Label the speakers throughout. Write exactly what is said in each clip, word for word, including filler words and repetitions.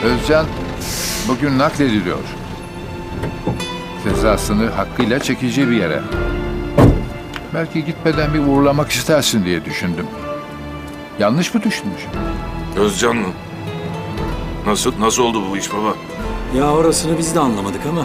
Speaker 1: Özcan bugün naklediliyor. Cezasını hakkıyla çekeceği bir yere. Belki gitmeden bir uğurlamak istersin diye düşündüm. Yanlış mı düşünmüşüm?
Speaker 2: Özcan mı? Nasıl nasıl oldu bu iş baba?
Speaker 3: Ya orasını biz de anlamadık ama.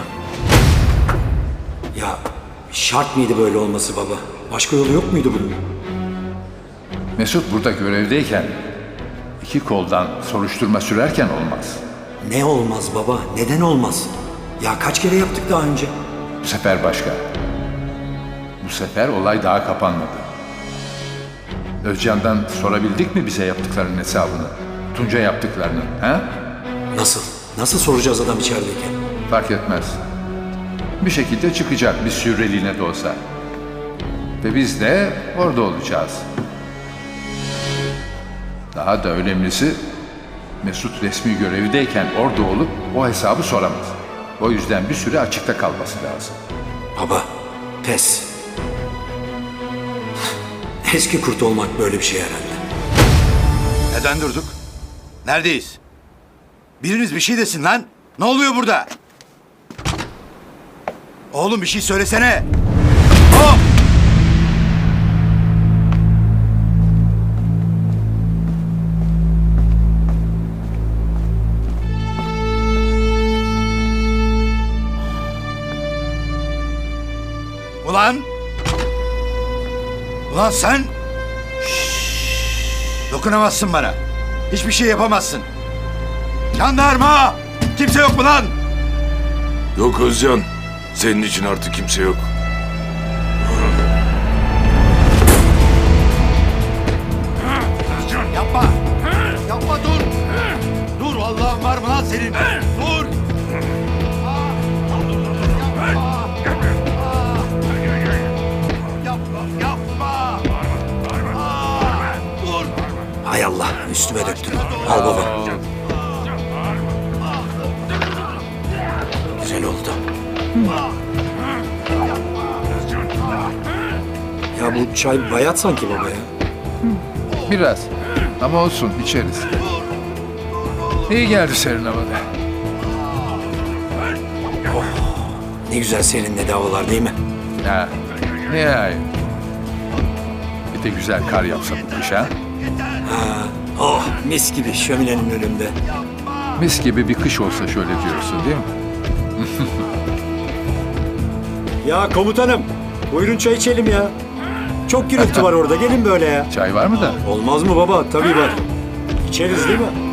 Speaker 3: Ya şart mıydı böyle olması baba? Başka yolu yok muydu bunun?
Speaker 1: Mesut burada görevdeyken iki koldan soruşturma sürerken olmaz.
Speaker 3: Ne olmaz baba? Neden olmaz? Ya kaç kere yaptık daha önce?
Speaker 1: Bu sefer başka. Bu sefer olay daha kapanmadı. Özcan'dan sorabildik mi bize yaptıklarının hesabını? Tunca yaptıklarını, ha?
Speaker 3: Nasıl? Nasıl soracağız adam içerideyken?
Speaker 1: Fark etmez. Bir şekilde çıkacak bir süreliğine de olsa. Ve biz de orada olacağız. Daha da önemlisi Mesut resmi görevdeyken orada olup o hesabı soramaz. O yüzden bir süre açıkta kalması lazım.
Speaker 3: Baba, pes. Eski kurt olmak böyle bir şey herhalde.
Speaker 4: Neden durduk? Neredeyiz? Biriniz bir şey desin lan. Ne oluyor burada? Oğlum bir şey söylesene. Hop! Ulan! Ulan sen! Şşş! Dokunamazsın bana. Hiçbir şey yapamazsın. Jandarma! Kimse yok mu lan?
Speaker 2: Yok Özcan. Senin için artık kimse yok.
Speaker 4: Yapma! Yapma dur! Dur Allah'ın var mı lan senin? Dur! Yapma! Yapma! Dur!
Speaker 3: Hay Allah, üstüme döktün. Al baba. Güzel oldu. Ya bu çay bayat sanki baba ya.
Speaker 1: Biraz. Ama olsun içeriz. İyi geldi serin havada.
Speaker 3: Ne güzel seninle havalar değil mi?
Speaker 1: Ya nihayet. Bir de güzel kar yapsa bu kış ha.
Speaker 3: Oh, mis gibi şöminenin önünde.
Speaker 1: Mis gibi bir kış olsa şöyle diyorsun değil mi?
Speaker 3: Ya komutanım, buyurun çay içelim ya. Çok gürültü var orada, gelin böyle ya.
Speaker 1: Çay var mı da?
Speaker 3: Olmaz mı baba? Tabii var. İçeriz değil mi?